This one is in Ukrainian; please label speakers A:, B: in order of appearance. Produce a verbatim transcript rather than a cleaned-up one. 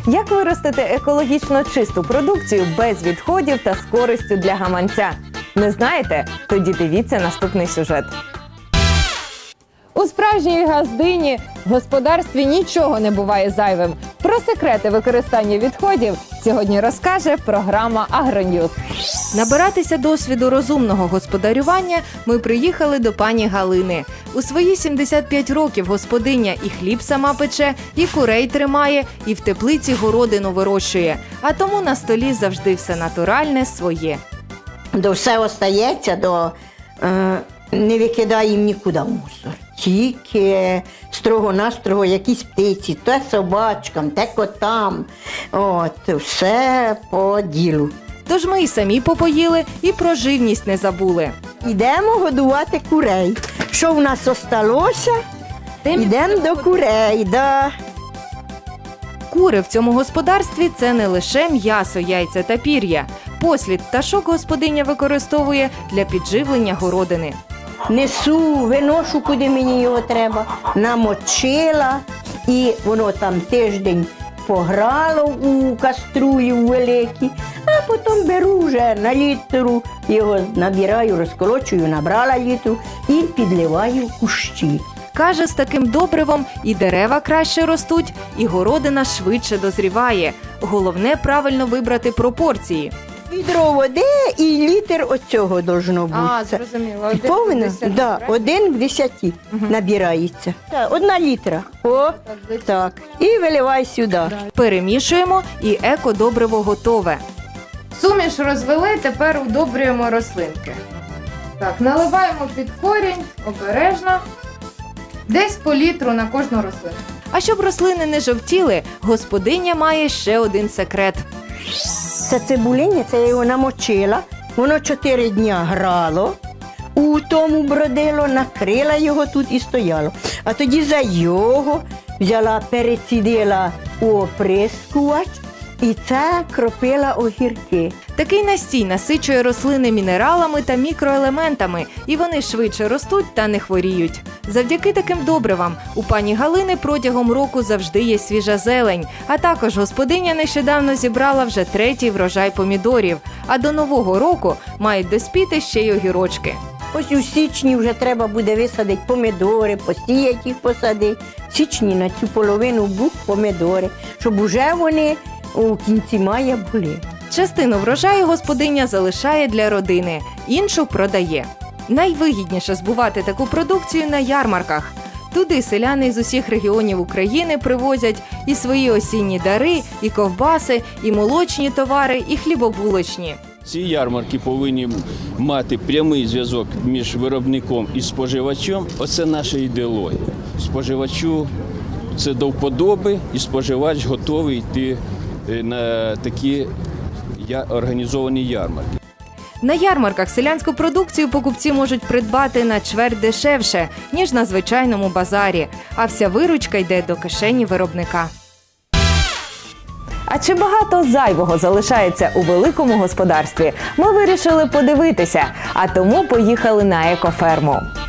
A: Як виростити екологічно чисту продукцію без відходів та з користю для гаманця? Не знаєте? Тоді дивіться наступний сюжет. У справжній газдині в господарстві нічого не буває зайвим. Про секрети використання відходів сьогодні розкаже програма «Агроньюз». Набиратися досвіду розумного господарювання ми приїхали до пані Галини. У свої сімдесят п'ять років господиня і хліб сама пече, і курей тримає, і в теплиці городину вирощує. А тому на столі завжди все натуральне, своє.
B: До все остається, до, е, не викидаємо нікуди мусор. Тільки строго-настрого якісь птиці, те собачкам, те котам. От, все по ділу.
A: Тож ми і самі попоїли, і про живність не забули.
B: Йдемо годувати курей. Що в нас осталося? Йдемо до курей, да.
A: Кури в цьому господарстві – це не лише м'ясо, яйця та пір'я. Послід пташок господиня використовує для підживлення городини.
B: Несу, виношу, куди мені його треба, намочила, і воно там тиждень пограло у каструлі великій, а потім беру вже на літру, його набираю, розколочую, набрала літру і підливаю в кущі.
A: Каже, з таким добривом і дерева краще ростуть, і городина швидше дозріває. Головне – правильно вибрати пропорції.
B: Відро води і літр оцього должно бути.
A: А, зрозуміло. Один
B: Повинно?
A: в десяти,
B: Да,
A: правильно?
B: один в десяті набирається. Так, одна літра. О, так. І виливай сюди.
A: Перемішуємо, і екодобриво готове. Суміш розвели, тепер удобрюємо рослинки. Так, наливаємо під корінь, обережно. Десь по літру на кожну рослину. А щоб рослини не жовтіли, господиня має ще один секрет.
B: Це цибулиння, це я його намочила. Воно чотири дня грало, у тому бродило, накрила його тут і стояло. А тоді за його взяла, перецідила у оприскувач і це кропила огірки.
A: Такий настій насичує рослини мінералами та мікроелементами, і вони швидше ростуть та не хворіють. Завдяки таким добривам у пані Галини протягом року завжди є свіжа зелень, а також господиня нещодавно зібрала вже третій врожай помідорів, а до Нового року мають доспіти ще й огірочки.
B: Ось у січні вже треба буде висадити помідори, посіяти їх, посадити. В січні на цю половину бук помідори, щоб уже вони у кінці мая були.
A: Частину врожаю господиня залишає для родини, іншу продає. Найвигідніше збувати таку продукцію на ярмарках. Туди селяни з усіх регіонів України привозять і свої осінні дари, і ковбаси, і молочні товари, і хлібобулочні.
C: Ці ярмарки повинні мати прямий зв'язок між виробником і споживачем. Оце наша ідеологія. Споживачу це до вподоби, і споживач готовий йти на такі організовані ярмарки.
A: На ярмарках селянську продукцію покупці можуть придбати на чверть дешевше, ніж на звичайному базарі, а вся виручка йде до кишені виробника. А чи багато зайвого залишається у великому господарстві? Ми вирішили подивитися, а тому поїхали на екоферму.